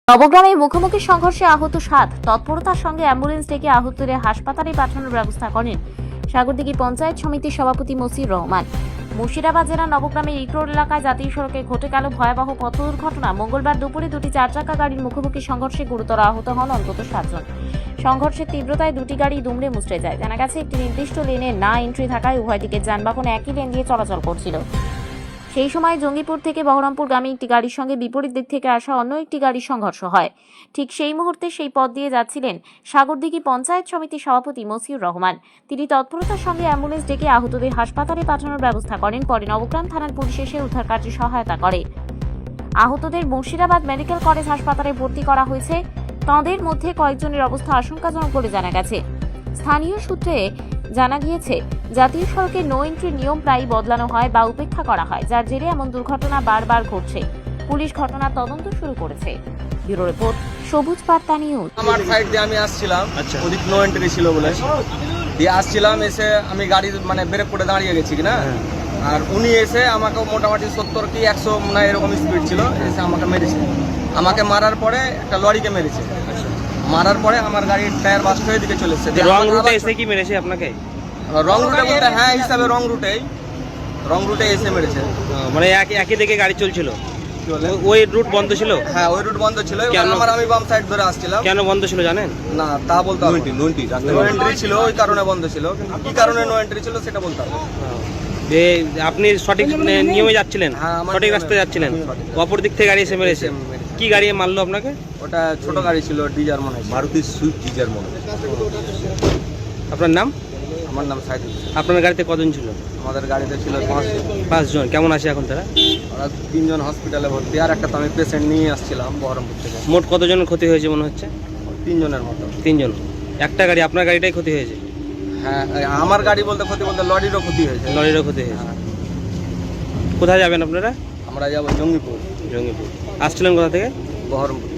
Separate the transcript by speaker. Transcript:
Speaker 1: নবগ্রামে মুখোমুখি সংঘর্ষে আহত 7। তৎপরতার সঙ্গে অ্যাম্বুলেন্স ডেকে আহতদের হাসপাতালে পাঠানোর ব্যবস্থা করেন সাগরদিঘি পঞ্চায়েত সমিতির সভাপতি মসিউর রহমান। মুর্শিদাবাদ জেলার নবগ্রামের ইকরোড এলাকায় জাতীয় সড়কে ঘটে গেল ভয়াবহ পথ দুর্ঘটনা। মঙ্গলবার দুপুরে দুটি চারচাকা গাড়ির মুখোমুখি সংঘর্ষে গুরুতর আহত হন অন্তত 7 জন। সংঘর্ষের তীব্রতায় দুটি গাড়ি দুমড়ে মুচড়ে যায়। জানা গেছে, একটি নির্দিষ্ট লেনে না এন্ট্রি থাকায় উভয় দিকের যানবাহন একই লেন দিয়ে চলাচল করছিল। সেই সময় জঙ্গিপুর থেকে বহরমপুরগামী একটি গাড়ির সঙ্গে বিপরীত দিক থেকে আসা অন্য একটি গাড়ির সংঘর্ষ হয়। ঠিক সেই মুহূর্তে সেই পথ দিয়ে যাচ্ছিলেন সাগরদিঘি পঞ্চায়েত সমিতির সভাপতি মসিউর রহমান। তিনি তৎপরতার সঙ্গে অ্যাম্বুলেন্স ডেকে আহতদের হাসপাতালে পাঠানোর ব্যবস্থা করেন। পরে নবগ্রাম থানার পুলিশ এসে উদ্ধার কার্যে সহায়তা করে। আহতদের মুর্শিদাবাদ মেডিকেল কলেজ হাসপাতালে ভর্তি করা হয়েছে। তাঁদের মধ্যে কয়েকজনের অবস্থা আশঙ্কাজনক বলে জানা গেছে। স্থানীয় সূত্রে জানা গিয়েছে, জাতীয় সড়কে নো এন্ট্রি নিয়ম প্রায়ই বদলানো হয় বা উপেক্ষা করা হয়, যার জেরে এমন দুর্ঘটনা বারবার ঘটছে। পুলিশ ঘটনার তদন্ত শুরু করেছে। ব্যুরো রিপোর্ট, সবুজ বার্তা নিউজ।
Speaker 2: আমার সাইড দিয়ে আমি আসছিলাম, ওদিক নো এন্ট্রি ছিল বলে দিয়ে আসছিলাম। এসে আমি গাড়ি ব্রেক করে দাঁড়িয়ে গেছি কিনা, আর উনি এসে আমাকে মোটামুটি 70 কি 100 না এরকম স্পিড ছিল, এসে আমাকে মেরেছে। আমাকে মারার পরে একটা লরিকে মেরেছে। মারার পরে আমার গাড়ির টায়ার বাস্ট হয়ে দিকে চলে এসেছে।
Speaker 3: রং রুটে এসে কি মেরেছে আপনাকে?
Speaker 2: রং রুটে বলতে হ্যাঁ হিসাবে রং রুটে এসে মেরেছে।
Speaker 3: মানে একই দিকে গাড়ি চলছিল, ওই রুট বন্ধ ছিল?
Speaker 2: হ্যাঁ, ওই রুট বন্ধ ছিল। আমি বাম সাইড ধরে আসছিলাম।
Speaker 3: কেন বন্ধ ছিল জানেন?
Speaker 2: না, তা বলতে হবে। নো এন্ট্রি ছিল, ওই কারণে বন্ধ ছিল। কিন্তু কি কারণে নো এন্ট্রি ছিল সেটা বলতে হবে।
Speaker 3: আপনি সঠিক নিয়মে যাচ্ছিলেন, সঠিক রাস্তায় যাচ্ছিলেন, অপর দিক থেকে গাড়ি এসে মেরেছে। কি গাড়ি মারলো আপনাকে?
Speaker 2: ওটা ছোট গাড়ি ছিল, ডিজার মনে হয়, মারুতি সুইফট ডিজার মনে হয়।
Speaker 3: আপনার নাম?
Speaker 2: আমার নাম সাইদুল।
Speaker 3: আপনার গাড়িতে কজন ছিল?
Speaker 2: আমাদের গাড়িতে ছিল
Speaker 3: 5 জন। কেমন আছে এখন তারা?
Speaker 2: ওরা 3 জন হসপিটালে ভর্তি, আর একটা তো আমি পেশেন্ট নিয়ে আসছিলাম বহরমপুর থেকে।
Speaker 3: মোট কতজনের ক্ষতি হয়েছে মনে হচ্ছে?
Speaker 2: 3 জনের মতো।
Speaker 3: 3 জন। একটা গাড়ি, আপনার গাড়িটাই ক্ষতি হয়েছে?
Speaker 2: হ্যাঁ, আমার গাড়ি বলতে ক্ষতি বলতে লরিরও ক্ষতি হয়েছে।
Speaker 3: লরিরও ক্ষতি হয়েছে। কোথায় যাবেন আপনারা?
Speaker 2: আমরা যাবো জঙ্গিপুর।
Speaker 3: আসছিলেন কোথা থেকে?
Speaker 2: বহরমপুর।